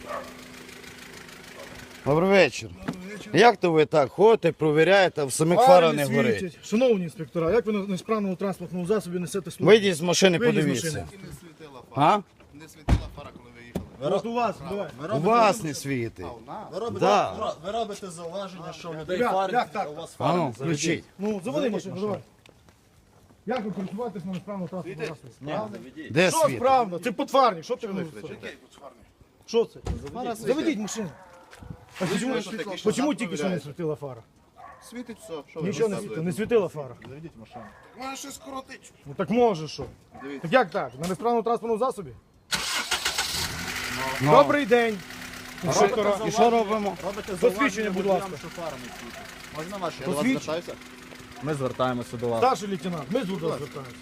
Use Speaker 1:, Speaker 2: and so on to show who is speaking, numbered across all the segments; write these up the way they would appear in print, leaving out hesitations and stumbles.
Speaker 1: Добрий вечір. Як то ви так ходите, провіряєте, а в самих фара не горить?
Speaker 2: світять. Шановні інспектора, як ви на несправному транспортному засобі несете службу?
Speaker 1: Вийдіть з машини,
Speaker 2: Вийдіть з
Speaker 1: подивіться.
Speaker 2: машини.
Speaker 3: Не світила фара.
Speaker 1: А?
Speaker 3: Не світила фара, коли ви їхали.
Speaker 2: От у вас, давай.
Speaker 1: У вас не світить. Да.
Speaker 4: Ви робите зауваження, що в людей
Speaker 2: Як
Speaker 4: фари,
Speaker 2: так?
Speaker 4: а у вас
Speaker 1: А
Speaker 4: фари.
Speaker 1: ну, включіть.
Speaker 2: Ну, заводи машину, давай. Як ви користуватись на несправному транспортному засобі?
Speaker 1: Де
Speaker 2: Що
Speaker 1: світ?
Speaker 2: справно? Це потварник, що ти не Що це? Заведіть машину. А чому тільки що не світила фара?
Speaker 3: Світить все. Що ви
Speaker 2: Нічого не світила, не світила фара.
Speaker 4: Заведіть машину.
Speaker 3: Може щось коротить.
Speaker 2: Ну так може що.
Speaker 3: Дивіться.
Speaker 2: Так як так? На несправному транспортному засобі?
Speaker 1: Ну.
Speaker 2: Добрий день. Інспектора.
Speaker 1: І що робимо?
Speaker 4: Робите
Speaker 2: Посвідчення, будь ласка.
Speaker 4: що фара не світить. Можна ваше? Я до вас
Speaker 2: Посвідчення.
Speaker 4: звертаюся? Ми звертаємося до вас.
Speaker 2: Старший лейтенант, ми до вас звертаємося.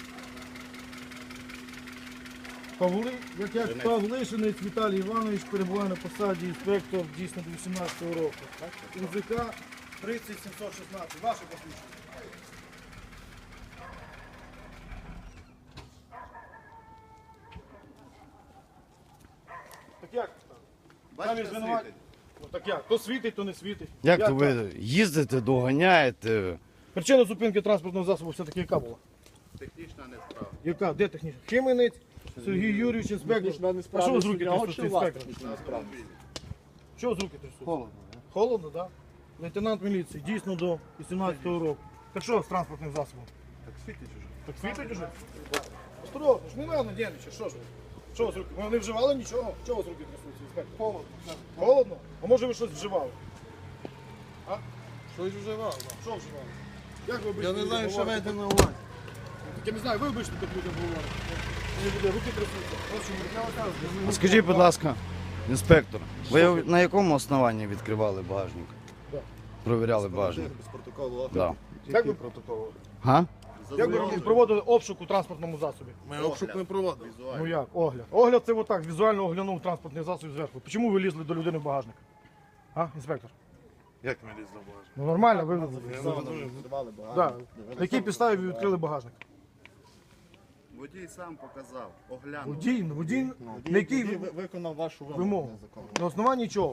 Speaker 2: Павлишинець Віталій Іванович перебуває на посаді інспектор дійсно до 18-го року. УЗК 30716. Ваше посвідчення. Так як? Самі
Speaker 3: Бачите,
Speaker 2: звинуваті?
Speaker 3: світить.
Speaker 2: Ну так як? То світить, то не світить.
Speaker 1: Як то
Speaker 2: так?
Speaker 1: ви їздите, доганяєте?
Speaker 2: Причина зупинки транспортного засобу все-таки яка була?
Speaker 3: Технічна несправа.
Speaker 2: Яка? Де технічна? Хименець, Сергій Юрійович, інспектор. А що ви з руки трясуться, інспектор? Що з руки трясуться? Холодно. Холодно, так? Лейтенант міліції, дійсно до 18-го року. Так що з транспортним засобом?
Speaker 3: Так світить уже.
Speaker 2: Так світить уже? Осторожно, ж не треба нервничати, що ж ви? Що з руки? Ви не вживали нічого? Чого з руки трясуться, інспектор? Холодно. Холодно? А може ви щось вживали?
Speaker 3: Щось вживав.
Speaker 2: Що вживали? Як ви
Speaker 3: Я
Speaker 2: обично
Speaker 3: не знаю,
Speaker 2: людям
Speaker 3: що
Speaker 2: говорите?
Speaker 3: маєте на увазі.
Speaker 2: Так я не знаю, ви обично так людям говорите. Мені буде руки трясуться. Ось чому руки.
Speaker 1: А скажіть, будь ласка, інспектор, ви на якому основанні відкривали багажник?
Speaker 2: Да.
Speaker 1: Провіряли багажник?
Speaker 4: Без протоколу.
Speaker 1: Да.
Speaker 2: Як ви
Speaker 1: Га?
Speaker 2: Як ви проводили обшук у транспортному засобі?
Speaker 3: Ми обшук не проводили.
Speaker 2: Ну як, огляд. Огляд це отак, візуально оглянув транспортний засіб зверху. Чому ви лізли до людини в багажник? А, інспектор?
Speaker 3: Як ми лізли в багажник?
Speaker 2: Ну нормально, ви.
Speaker 4: Відкривали багато.
Speaker 2: Да. На якій підставі ви відкрили багажник?
Speaker 3: Водій сам показав, оглянув.
Speaker 2: Водій, на якій
Speaker 4: Виконав вашу
Speaker 2: вимогу?
Speaker 4: незаконну.
Speaker 2: На основанні чого?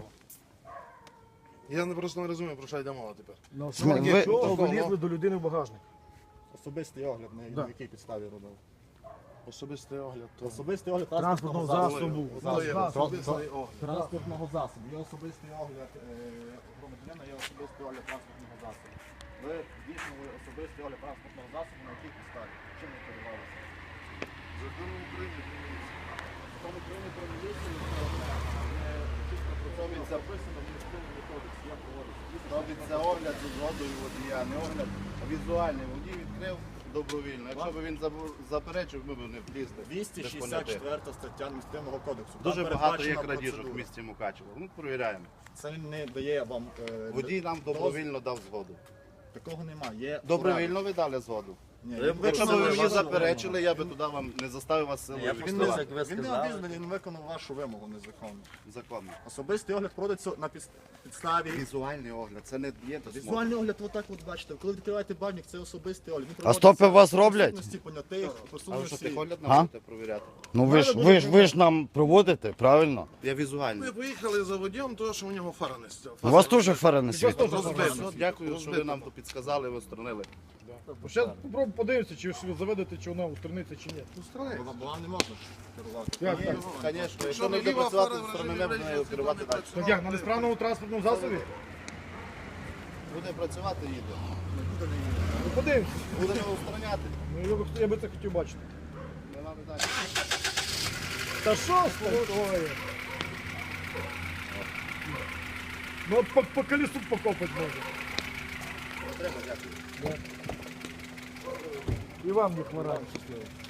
Speaker 3: Я просто не розумію, про що йде мова тепер.
Speaker 2: На основанні
Speaker 1: Ви-
Speaker 2: чого ви лізли до людини в багажник?
Speaker 4: Особистий огляд,
Speaker 2: Да.
Speaker 4: на якій підставі робив.
Speaker 3: Особистий огляд.
Speaker 4: Особистий огляд
Speaker 2: Транспортного засобу.
Speaker 4: Транспортного засобу. Є особистий огляд громадянина, є особистий огляд транспортного засобу. Ви здійснили особистий огляд транспортного засобу на якій підставі? Чим ви керувалися?
Speaker 3: Закон України.
Speaker 4: Закон України про міліцію чітко про це записано в адміністративному кодексі. Я проводив.
Speaker 3: Робиться огляд з згодою водія, не огляд, а візуальний. Водій відкрив добровільно. Якщо б він заперечив, ми б не влізли. Без поняття.
Speaker 4: 264 стаття адміністративного кодексу. Там
Speaker 3: Дуже багато є
Speaker 4: передбачена
Speaker 3: крадіжок в
Speaker 4: процедура.
Speaker 3: місті Мукачево. Ну, перевіряємо.
Speaker 4: Це не дає вам...
Speaker 3: Водій нам добровільно дав згоду.
Speaker 4: Такого немає. Є
Speaker 3: Добровільно ви дали згоду.
Speaker 4: Ні,
Speaker 3: Якщо б ви мені заперечили, я би туди вам не заставив вас силою відкривати.
Speaker 4: Він не обізнаний, він виконав вашу вимогу незаконно.
Speaker 3: Законно.
Speaker 4: Особистий огляд проводиться на підставі.
Speaker 3: Візуальний огляд, це не є досмотр.
Speaker 4: Візуальний огляд, отак от бачите. Коли відкриваєте багажник, це особистий огляд. Він
Speaker 1: А
Speaker 4: проводиться
Speaker 1: стопи у вас роблять?
Speaker 4: присутності понятих,
Speaker 3: А ви що,
Speaker 4: присутності.
Speaker 3: техогляд
Speaker 1: А?
Speaker 3: нам будете провіряти?
Speaker 1: Ну ви ж нам проводите, правильно?
Speaker 3: Я візуальний.
Speaker 5: Ми поїхали за водієм, тому що у нього фара не стяла.
Speaker 1: У вас теж фара не світить?
Speaker 3: Все, дякую, що ви нам тут підсказали, ви устранили.
Speaker 2: Зараз попробуємо подивитися, чи ви заведете, чи вона устраниться, чи ні.
Speaker 4: Бо вам не можна керувати.
Speaker 2: Як так?
Speaker 3: Звісно, якщо не буде працювати, устранили, будемо відкривати далі.
Speaker 2: Так як, на несправному транспортному засобі?
Speaker 3: Буде працювати, їде.
Speaker 2: Ну подивимося.
Speaker 3: Будемо устраняти.
Speaker 2: Ну, я би це хотів бачити.
Speaker 3: Не треба далі.
Speaker 2: Та що з такое? Ну от по колесу покопати може.
Speaker 3: Треба, дякую.
Speaker 2: І вам не хворає щасливо.